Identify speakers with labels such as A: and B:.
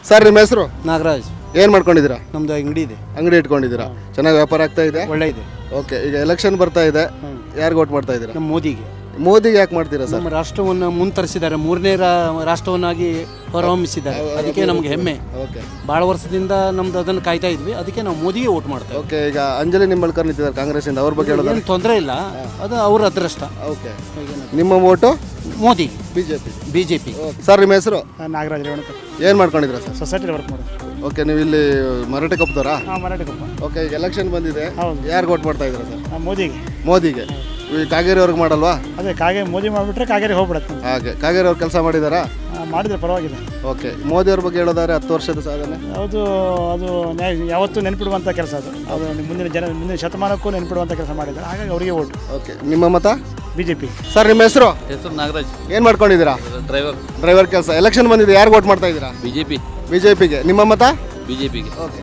A: Sir ನಿಮ್ಮ ಹೆಸರು?
B: ನಾಗರಾಜ್.
A: ಏನು ಮಾಡ್ಕೊಂಡಿದ್ದೀರಾ?
B: ನಮ್ದು ಅಂಗಡಿ ಇದೆ.
A: ಅಂಗಡಿ ಇಟ್ಕೊಂಡಿದ್ದೀರಾ? ಚೆನ್ನಾಗಿ ವ್ಯಾಪಾರ ಆಗ್ತಾ ಇದೆ?
B: ಒಳ್ಳೆ ಇದೆ.
A: ಓಕೆ, ಈಗ ಎಲೆಕ್ಷನ್ ಬರ್ತಾ ಇದೆ, ಯಾರಿಗೆ ವೋಟ್ ಮಾಡ್ತಾ ಇದ್ದೀರಾ?
B: ನಮ್ಮ ಮೋದಿಗೆ.
A: ಮೋದಿಗೆ ಯಾಕೆ ಮಾಡ್ತೀರಾ ಸರ್?
B: ನಮ್ಮ ರಾಷ್ಟ್ರವನ್ನು ಮುಂತರಿಸಿದ್ದಾರೆ, ಮೂರನೇ ರಾಷ್ಟ್ರವನ್ನಾಗಿ ಹೊರಹೊಮ್ಮಿಸಿದ್ದಾರೆ. ಅದಕ್ಕೆ ನಮ್ಗೆ ಹೆಮ್ಮೆ.
A: ಓಕೆ,
B: ಭಾಳ ವರ್ಷದಿಂದ ನಮ್ದು ಅದನ್ನು ಕಾಯ್ತಾ ಇದ್ವಿ, ಅದಕ್ಕೆ ನಾವು ಮೋದಿಗೆ ವೋಟ್ ಮಾಡ್ತೇವೆ.
A: ಓಕೆ. ಈಗ ಅಂಜಲಿ ನಿಂಬಳ್ಕರ್ ನಿಂತಿದ್ದಾರೆ ಕಾಂಗ್ರೆಸ್ಸಿಂದ, ಅವ್ರ ಬಗ್ಗೆ ಹೇಳೋದು?
B: ಏನು ತೊಂದರೆ ಇಲ್ಲ, ಅದು ಅವ್ರ ಅದೃಷ್ಟ.
A: ಓಕೆ, ನಿಮ್ಮ vote
B: Modi,
A: BJP.
B: BJP.
A: Sir ನಿಮ್ಮ ಹೆಸರು?
C: ನಾಗರಾಜ್ ರೇವಣಕರ್.
A: ಏನು ಮಾಡ್ಕೊಂಡಿದ್ದೀರಾ ಸರ್?
C: ಸೊಸೈಟಿಲಿ ವರ್ಕ್ ಮಾಡೋದು.
A: ಓಕೆ, ನೀವು ಇಲ್ಲಿ ಮರಾಠಿ ಕಪ್ದವರಾ?
C: ಹಾಂ, ಮರಾಠಿ ಕೊಪ್ಪ.
A: ಓಕೆ, ಈಗ ಎಲೆಕ್ಷನ್ ಬಂದಿದೆ,
C: ಹೌದು.
A: ಯಾರಿಗೆ ವೋಟ್ ಮಾಡ್ತಾ ಇದ್ದೀರಾ ಸರ್?
C: ಮೋದಿಗೆ.
A: ಮೋದಿಗೆ. ಈ ಕಾಗೇರಿ ಅವ್ರಿಗೆ ಮಾಡಲ್ವಾ?
C: ಅದೇ ಮೋದಿ ಮಾಡಿಬಿಟ್ರೆ ಕಾಗೇರಿ ಹೋಗ್ಬಿಡತ್ತೆ.
A: ಹಾಗೆ, ಕಾಗೇರಿ ಅವ್ರು ಕೆಲಸ ಮಾಡಿದಾರಾ?
C: ಮಾಡಿದ್ರೆ ಪರವಾಗಿಲ್ಲ.
A: ಓಕೆ, ಮೋದಿ ಅವ್ರ ಬಗ್ಗೆ ಹೇಳೋದಾದ್ರೆ 10 ವರ್ಷದ ಸಾಧನೆ
C: ಯಾವುದು ಅದು ಯಾವತ್ತೂ ನೆನ್ಪಿಡುವಂಥ ಕೆಲಸ ಅದು ಮುಂದಿನ ಶತಮಾನಕ್ಕೂ ನೆನ್ಪಿಡುವಂಥ ಕೆಲಸ ಮಾಡಿದ್ದಾರೆ, ಹಾಗಾಗಿ ಅವರಿಗೆ ಓಟು.
A: ಓಕೆ, ನಿಮ್ಮ ಮತ?
C: BJP.
A: ಸರ್ ನಿಮ್ಮ ಹೆಸರು?
D: ನಾಗರಾಜ್.
A: ಏನು ಮಾಡ್ಕೊಂಡಿದ್ದೀರಾ? ಡ್ರೈವರ್ ಕೆಲಸ. ಎಲೆಕ್ಷನ್ ಬಂದಿದೆ, ಯಾರಿಗೆ ವೋಟ್ ಮಾಡ್ತಾ ಇದ್ದೀರಾ?
D: BJP.
A: BJPಗೆ. ನಿಮ್ಮ ಮತ?
D: BJPಗೆ.
A: ಓಕೆ.